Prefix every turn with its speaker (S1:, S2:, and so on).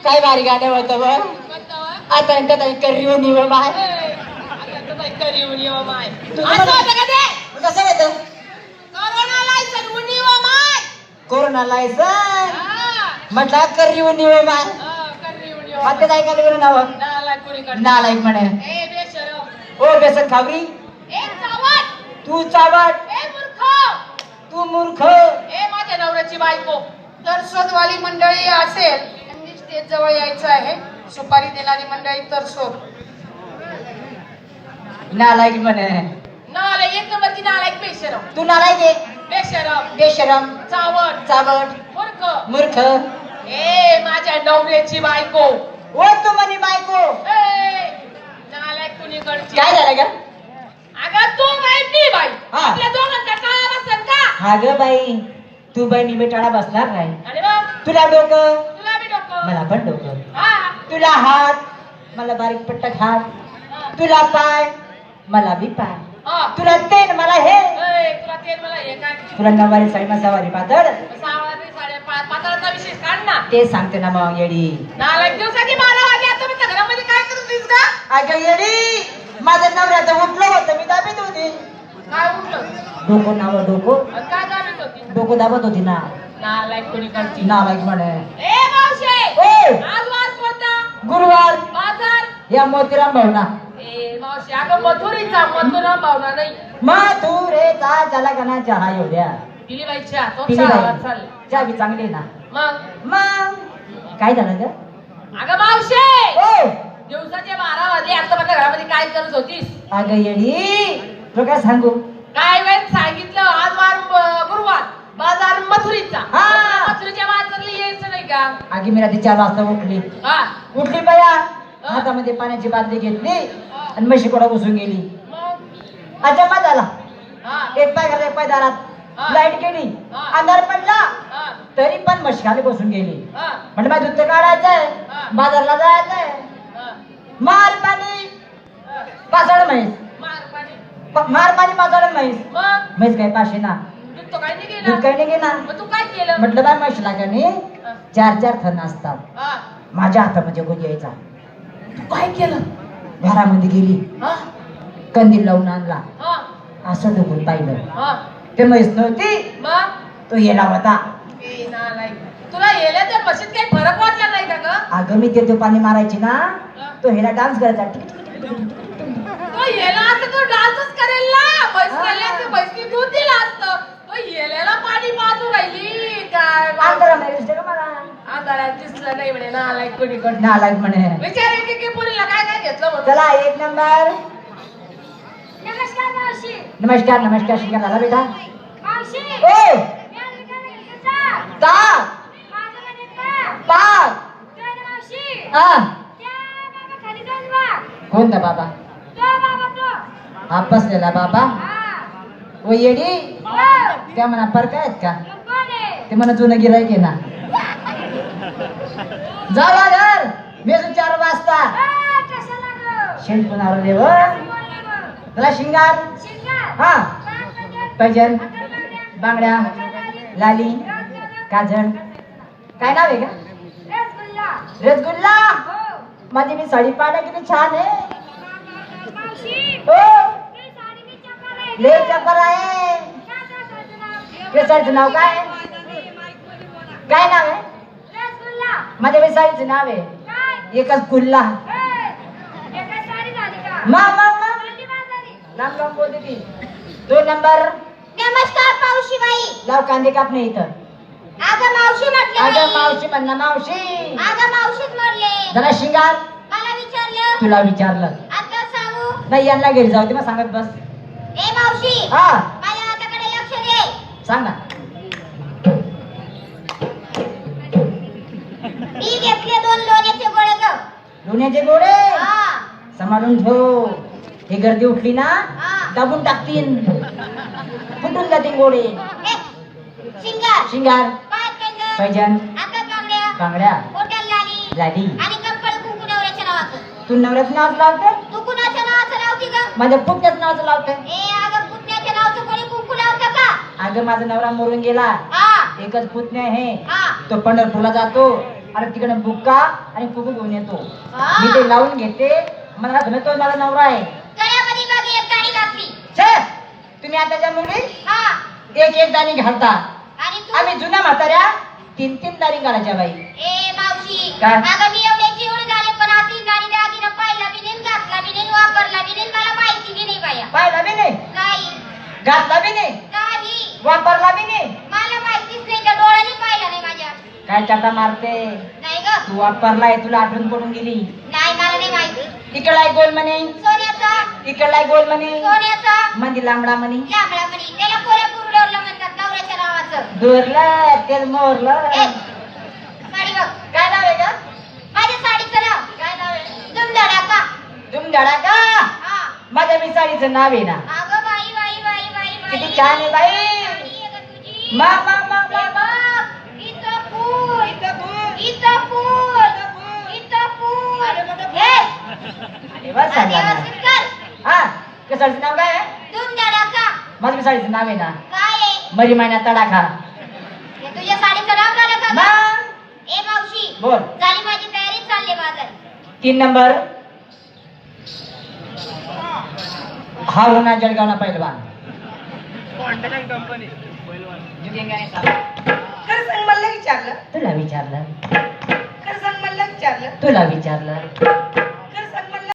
S1: काय भारी गाणं होतं बघ. आता त्यात करीव निव माय.
S2: करीव निव माय.
S1: असं होतं का ते? कसं होतं?
S2: कोरोना लायसन उनिव माय.
S1: कोरोना लायसन म्हटलं करीव निव माय.
S2: करीव निव.
S1: आता काय केलं नाव? नालायक म्हणे.
S2: ए बेशरम.
S1: ओ बेसन खावरी.
S2: ए चावट.
S1: तू चावट.
S2: ए मूर्ख.
S1: तू मूर्ख.
S2: ए माझ्या नवऱ्याची बायको. तर शोधवाली मंडळी असेल त्यांनी स्टेज जवळ यायचं आहे. सुपारी देणारी मंडळी तर शोध.
S1: नालायक म्हणे.
S2: नालायक एक नंबरची नालायक बेशरम.
S1: तू नालायक आहे.
S2: बेशरम.
S1: बेशरम.
S2: चावट.
S1: चावट.
S2: मूर्ख.
S1: मूर्ख.
S2: ए माझ्या नवऱ्याची बायको.
S1: ओ तू म्हणे बायको.
S2: ए नालायक कुणीकडची.
S1: काय झालं ग?
S2: अगं तू बाई मी बाई.
S1: हा.
S2: आपल्या दोघांचा टाळा बसेल का?
S1: हा ग बाई तू बाई मी बेटाळा बसणार नाही.
S2: अरे बा
S1: तुला डोकं
S2: तुला बी डोकं.
S1: मला पण डोकं.
S2: हा.
S1: तुला हात मला बारीक पट्टक हात.
S2: हा.
S1: तुला पाय मला बी पाय.
S2: हा.
S1: तुला तेल मला हे.
S2: ए, तुला तेल मला हे काय
S1: तुला नवारी साडी मसावारी पातळ
S2: सावळाची साडे पाताळाचा विशेष काढ ना.
S1: ते सांगते ना मग येडी.
S2: नालायक दिवसाची 12 वाजे आता मी घरामध्ये काय करत होतीस का?
S1: अगं येडी माझं नवऱ्याचं उठलं होतं मी दाबीत होती.
S2: काय उठलं?
S1: डोकं नाव डोकं
S2: आणि काय दाबीत होती?
S1: डोकं दाबत होती ना.
S2: नालायक कुणीकडची.
S1: नालायक म्हणे.
S2: ए मावशे
S1: ओ
S2: आज वार कोणता?
S1: गुरुवार
S2: बाजार.
S1: या मोतीराम भावना.
S2: ए मावशे अगं मथुरीचा मथुराम भावना नाही.
S1: मथुरेचा ज्याला गाना चहा एवढ्या
S2: दिली बाईच्या तो
S1: पिली
S2: चहा
S1: बाई.
S2: चाल.
S1: चहा बी चांगली ना.
S2: मग
S1: काय झालं ग?
S2: अगं मावशे
S1: ओ
S2: दिवसाचे 12 वाजले आता माझ्या घरामध्ये काय करत होतीस?
S1: अगं येडी तो काय सांगू?
S2: काय वेळ सांगितलं आज वार गुरुवार बाजार मथुरीचा.
S1: हा.
S2: मथुरीच्या बाजारला यायचं नाही का?
S1: आगी मी रात्री 4 वाजता उठली.
S2: हा.
S1: उठली बया हातामध्ये पाण्याची बादली घेतली आणि म्हशी कोडा बसून गेली.
S2: मग
S1: अचंबा झाला.
S2: हा.
S1: एक पाय घरात एक पाय दारात.
S2: हा.
S1: लाईट गेली.
S2: हा.
S1: अंधार पडला
S2: हा.
S1: तरी पण म्हशी खाली बसून गेली.
S2: हा.
S1: म्हणजे माझं दूध काढायचंय
S2: हा.
S1: बाजारला जायचंय.
S2: हा.
S1: मार पाणी
S2: हा.
S1: पाचाड म्हैस.
S2: मार पाणी.
S1: मार पाणी पाचाड म्हैस.
S2: मग
S1: म्हैस काय पाशी ना
S2: दूध तो काय नाही
S1: दूध
S2: गेलं.
S1: काही नाही घेणार.
S2: मग तू काय केलं?
S1: म्हटलं बाय म्हशीला का नाही
S2: हा.
S1: 4 थन असतात.
S2: हा.
S1: माझ्या हातामध्ये गुज यायचा.
S2: तू काय केलं?
S1: घरामध्ये गेली
S2: हा.
S1: कंदील लावून आणला.
S2: हा.
S1: असं ढोकून पाहिलं
S2: हा.
S1: ते म्हैस नव्हती
S2: मग
S1: तो येला होता.
S2: ए नालायक तुला येले तर मशीन काही फरक वाटला नाही का ग?
S1: अगं मी ते पाणी मारायची ना तो हेला डान्स करायचा.
S2: तो येला असतं तो डान्सच करेल ना. म्हैस म्हैसनी दूध दिलं असतं. तो येलेला पाणी पाजू राहिली काय?
S1: अंतराला दिसते का मला?
S2: आंधळ्यात दिसलं नाही म्हणे नालायक कोणीकडे.
S1: नालायक म्हणे.
S2: विचार की पुरीला काय काय घेतलं म्हणून.
S1: चला 1 नंबर.
S2: नमस्कार मावशी.
S1: नमस्कार नमस्कार शिका झाला बेटा.
S2: मावशी
S1: ओ ता पाक हा कोणता बाबा? हा बसलेला बाबा. ओ येडी त्या म्हणा पर काय आहेत का? ते म्हणा जुनं गिराईक आहे ना. जावा घर मी 4 वाजता शिंपून आलो देव. तुला शिंगार हा पैजन बांगड्या लाली काजळ काय नाव आहे का? रसगुल्ला. माझी मी साडी पाहिला किती छान आहे. हो लय चपर आहे. केसरचं नाव काय? काय नाव आहे? माझ्या मी साडीचं नाव आहे एकच कुल्ला. लांब लांब बोलते ती. 2 नंबर.
S3: नमस्कार मावशीबाई.
S1: लाव कांदे कापणे इथं.
S3: अगं मावशी म्हटलं
S1: अगं
S3: बाई.
S1: मावशी म्हणा मावशी.
S3: अगं मावशीच म्हटले.
S1: जरा शिंगार.
S3: मला विचारलं.
S1: तुला विचारलं
S3: आता सांगू.
S1: नाही यांना घरी जाऊ दे मग सांगत बस.
S3: ए मावशी
S1: हा
S3: माझ्या हाताकडे लक्ष दे.
S1: सांग ना.
S3: मी घेतले 2 लोण्याचे गोळे ग.
S1: लोण्याचे गोळे
S3: हा.
S1: सांभाळून ठेव. हे गर्दी उठली ना
S3: हा.
S1: दाबून टाकतीन फुटून जातील गोळे.
S3: ए, शिंगार.
S1: शिंगार
S3: पाय पैंजण.
S1: पैजण
S3: हातात बांगड्या.
S1: बांगड्या
S3: बोटाला लाली.
S1: लाली.
S3: आणि कंकण कुंकू नवऱ्याच्या नावाचं.
S1: तू नवऱ्याचं नाव लावते?
S3: तू कुणाच्या नावाचं लावती ग?
S1: माझ्या पुतण्याचं नावाचं लावते.
S3: ए अगं पुतण्याच्या नावाचं कोणी कुंकू लावतं का?
S1: अगं माझा नवरा मरून गेला.
S3: हा.
S1: एकच पुतण्या आहे.
S3: हा.
S1: तो पंढरपूरला जातो आणि तिकडे बुक्का आणि कुकू घेऊन येतो.
S3: हा.
S1: मी ते लावून घेते. मला तुम्ही तो मला नवरा आहे.
S3: गळ्यामध्ये बघ एक दाणी घातली.
S1: छे, तुम्ही आताच्या मुली
S3: हा.
S1: एक दाणी घालता.
S3: आणि तू
S1: आम्ही जुन्या म्हाताऱ्या 3 दाणी घालायच्या बाई.
S3: ए मावशी
S1: काय?
S3: अगं मी एवढ्याची एवढे झाले पण आधी दाणी दागिना पाहिला बी नाही, घातला बी नाही, वापरला बी नाही, मला माहिती बी नाही बाया.
S1: पाहिला बी नाही,
S3: नाही
S1: घातला बी नाही,
S3: नाही
S1: वापरला बी नाही.
S3: मला माहितीच नाही, त्या डोळ्याने पाहिला नाही माझ्या.
S1: काय चाटा मारते.
S3: नाही ग,
S1: तू वापरलाय, तुला आठवण पडून गेली.
S3: नाही मला नाही माहिती.
S1: इकडलाय गोल म्हणे,
S3: सोन्याचा,
S1: इकडलाय गोल म्हणे,
S3: सोन्याचा
S1: मंदी लांबडा म्हणे.
S3: लांबडा म्हणे, त्याला कोल्हापूर डोरलं म्हणतात नवऱ्याच्या नावाचं.
S1: दूरला तेल मोरलं.
S3: ए, साडी बघ.
S1: काय नाव आहे का?
S3: माझ्या साडीचं नाव
S1: काय नाव आहे?
S3: दुमधडाका.
S1: दुमधडा का?
S3: हा.
S1: माझ्या मी साडीचं नाव आहे ना.
S3: अगं बाई बाई बाई बाई बाई.
S1: किती छान आहे बाई.
S3: साडी आहे गं तुझी.
S1: मा मा मा मा मा.
S3: बघ, इथं फूल, इथं फूल, इथं फूल. हे,
S1: अरे वा, सांगा ना.
S3: व्यवस्थित कर.
S1: हा, त्या साडीचं नाव काय आहे?
S3: दुमधडाका.
S1: माझ्या मी साडीचं नाव आहे ना.
S3: काय आहे?
S1: मरी महिन्यात तडाखा.
S3: हे तुझ्या साडीचं नाव झालं का गं?
S1: मग
S3: ए मावशी,
S1: बोल.
S3: झाली माझी तयारी, चालले बाजार.
S1: 3 नंबर हारुना जळगावना पहिलवान.
S2: खरं सांग मला विचारलं,
S1: तुला विचारलं,
S2: खरं सांग मला विचारलं.
S1: तुला विचारलं.